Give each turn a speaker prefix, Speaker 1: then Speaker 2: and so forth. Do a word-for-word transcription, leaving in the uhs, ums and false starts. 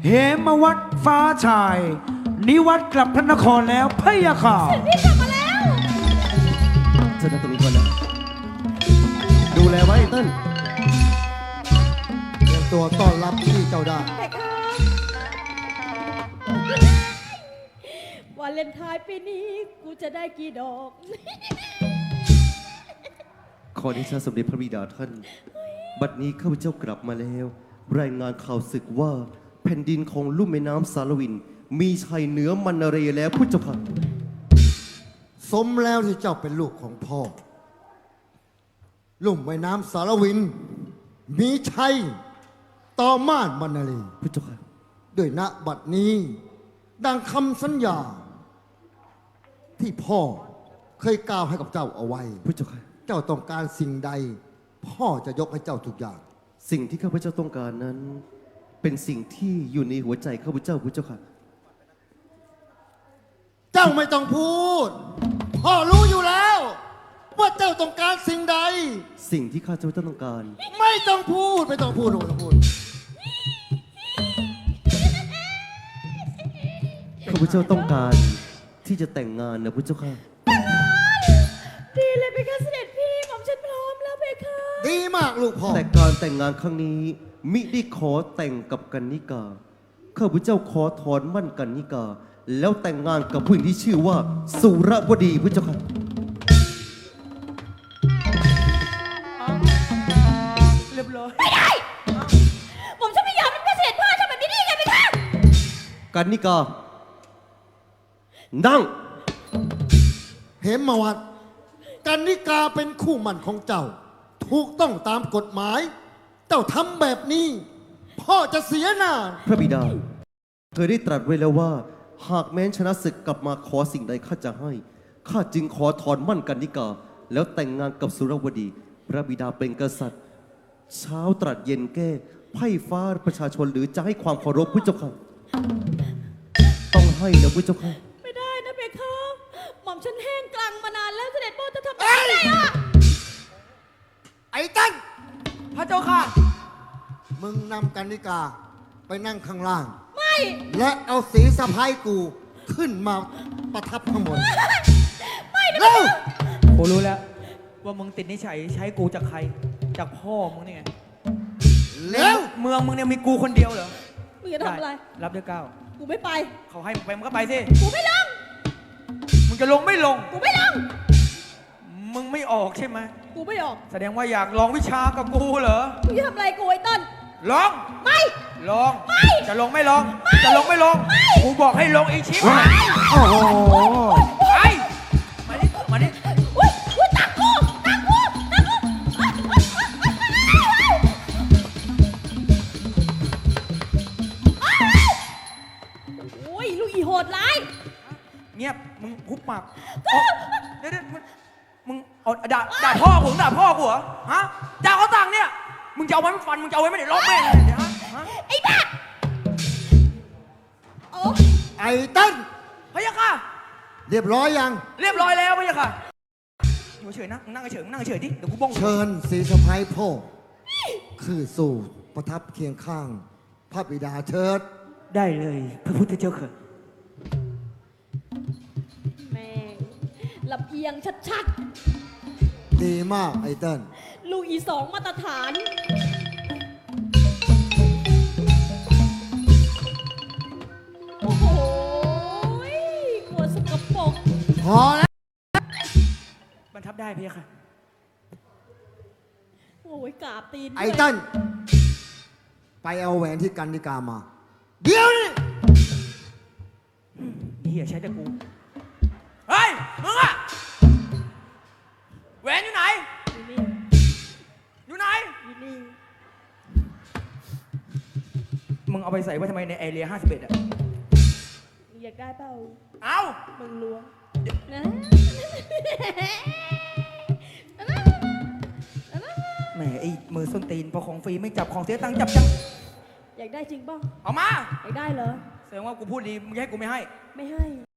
Speaker 1: เหมวัดฟ้าชายนิวัดกลับพระนครแล้วพะยะค่ะ
Speaker 2: พี่กลับมาแล้ว
Speaker 3: เชิญนั่งตรงนี้ก่อนนะดูแลไว้เติ้ล
Speaker 4: เตรียมตัวต้อนรับที่เจ้าได้
Speaker 2: แต่ค่ะวันเลนไทน์ปีนี้กูจะได้กี่ดอก
Speaker 3: ขอที่ชาสมเด็จพระบิดาท่านบัดนี้ข้าพเจ้ากลับมาแล้วรายงานข่าวศึกว่าแผ่นดินของลุ่มแม่น้ำสารวินมีชัยเหนือมันนาเรแล้วพุทธเจ้าค่ะ
Speaker 4: สมแล้วที่เจ้าเป็นลูกของพ่อลุ่มแม่น้ำสารวินมีชัยต่อม่านมันนารี
Speaker 3: พุทธเจ้าค่ะ
Speaker 4: ด้วยณบัดนี้ดังคำสัญญาที่พ่อเคยกล่าวให้กับเจ้าเอาไว้
Speaker 3: พุทธเจ้าค่ะ
Speaker 4: เจ้าต้องการสิ่งใดพ่อจะยกให้เจ้าทุกอย่าง
Speaker 3: สิ่งที่ข้าพเจ้าต้องการนั้นเป็นสิ่งที่อยู่ในหัวใจข้าพเจ้าพุทธเจ้าค่ะ
Speaker 4: เจ้าไม่ต้องพูดพ่อรู้อยู่แล้วว่าเจ้าต้องการสิ่งใด
Speaker 3: สิ่งที่ข้าพเจ้าต้องการ
Speaker 4: ไม่ต้องพูดไม่ต้องพูดไม่ต้องพูด
Speaker 3: ข้าพเจ้าต้องการที่จะแต่งงานนะพุทธเจ้าค่ะ
Speaker 2: ดีเลยเพคะเสด็จพี่หม่อมฉันพร้อมแล้วเพคะ
Speaker 4: ดีมากลูกพ่อ
Speaker 3: แต่การแต่งงานครั้งนี้มิได้ขอแต่งกับกันนิกาข้าพเจ้าขอถอนมั่นกันนิกาแล้วแต่งงานกับผู้หญิงที่ชื่อว่าสุรวดีพุทธเจ้าค่ะ
Speaker 2: เรียบร้อยไม่ได้ผมฉันไม่ยอมเป็นเกษตรพ่อทำแบบนี้ได้ยังไงไปคะ
Speaker 3: กันนิกานั่ง
Speaker 4: เหมวัดกันนิกาเป็นคู่หมั่นของเจ้าถูกต้องตามกฎหมายเจ้าทำแบบนี้พ่อจะเสียหน้า
Speaker 3: พระบิดาเคยได้ตรัสไว้แล้วว่าหากแม้นชนะศึกกลับมาขอสิ่งใดข้าจะให้ข้าจึงขอถอนมั่นกันนิกาแล้วแต่งงานกับสุรวดีพระบิดาเป็นกษัตริย์เช้าตรัสเย็นแก้ไพ่ฟ้าประชาชนหรือจะให้ความเคารพพุทธเจ้าค่ะต้องให้นะพุทธเจ้าค่ะ
Speaker 2: ไม่ได้นะเพคะหม่อมฉันแห้งกลางมานานแล้วเสด็จพ่อจะทำอะไรอ่ะ
Speaker 4: ไอ้ตั้น
Speaker 2: พระเจ้าค่ะ
Speaker 4: มึงนำกันนิกาไปนั่งข้างล่าง
Speaker 2: ไม่
Speaker 4: และเอาสีสะพายกูขึ้นมาประทับข้างบน
Speaker 2: ไม่
Speaker 4: เร็ว
Speaker 5: กูรู้แล้วว่ามึงติดนิสัยใช้กูจากใครจากพ่อมึงนี่ไง
Speaker 4: เร็ว
Speaker 5: เมืองมึงเนี่ยมีกูคนเดียวเหรอ
Speaker 2: มึงจะทำอะไร
Speaker 5: รับด้วยก้าว
Speaker 2: กูไม่ไป
Speaker 5: เขาให้มึงไปมึงก็ไปสิ
Speaker 2: กูไม่ลง
Speaker 5: มึงจะลงไม่ลง
Speaker 2: กูไม่ลง
Speaker 5: มึงไม่ออกใช่ไหม
Speaker 2: กูไม่ออก
Speaker 5: แสดงว่าอยากลองวิชากับกูเหรอ
Speaker 2: มึงจะทำอะไรกูไอ้ต้น
Speaker 5: ลอง
Speaker 2: ไม่
Speaker 5: ลอง
Speaker 2: ไม่
Speaker 5: จะลงไม่ลองจะลงไม่ลงกูบอกให้ลงอีชิบ
Speaker 4: โอ้โห
Speaker 5: ไปมาดิมาดิ
Speaker 2: อุ้ยอุ้ยตักกูตักกูตักกูโอ้ยลูกอีโหดร้าย
Speaker 5: เงียบมึงหุบปากเดี๋ยวเดี๋ยวมึงเอาด่าด่าพ่อกูด่าพ่อกูเหรอฮะด่าเขาต่างเนี่ยมึงจะเอาไว้ไม่ฟันมึงจะเอาไว้ไม่ได้ล็อกแม่เลยเดี๋ยวฮะ
Speaker 2: ไอ้บ้าโอ้
Speaker 4: ไอ้ตั้น
Speaker 5: พะยะค่ะ
Speaker 4: เรียบร้อยยัง
Speaker 5: เรียบร้อยแล้วพะยะค่ะอยู่เฉยนะนั่งเฉยนั่งเฉยดิเดี๋ยวกูบ้อง
Speaker 4: เชิญสีสะพายพ่อคือสู่ประทับเคียงข้างพระบิดาเชิด
Speaker 5: ได้เลยพระพุทธเจ้าค่ะ
Speaker 2: แม่ลำเอียงชัด
Speaker 4: ๆดีมากไอ้ตั้น
Speaker 2: ลูกอีสองมาตรฐานโอ้โหหัวสกปรก
Speaker 4: พอแล้ว
Speaker 5: บรรทับได้พี่ค่ะ
Speaker 2: โอ้ยกราบตีน
Speaker 4: ไอ้ตั้นไปเอาแหวนที่กันนิกามาเดี๋ยวนี้
Speaker 5: นี่อย่าใช้แต่กูเฮ้ยมึงอะแหวนอยู่ไหนอยู่ไหนอยู่นี่มึงเอาไปใส่ไว้ทำไมในแอเรียห้าสิบเอ็ดอะ
Speaker 2: อยากได้เปล่า
Speaker 5: เอา
Speaker 2: มึงล้วงนะ
Speaker 5: แหมไอ้มือส้นตีนพอของฟรีไม่จับของเสียตังค์จับจัง
Speaker 2: อยากได้จริงป่ะ
Speaker 5: เอามา
Speaker 2: อยากได้เหรอ
Speaker 5: แสดงว่ากูพูดดีมึงให้กูไม่ให้
Speaker 2: ไม่ให้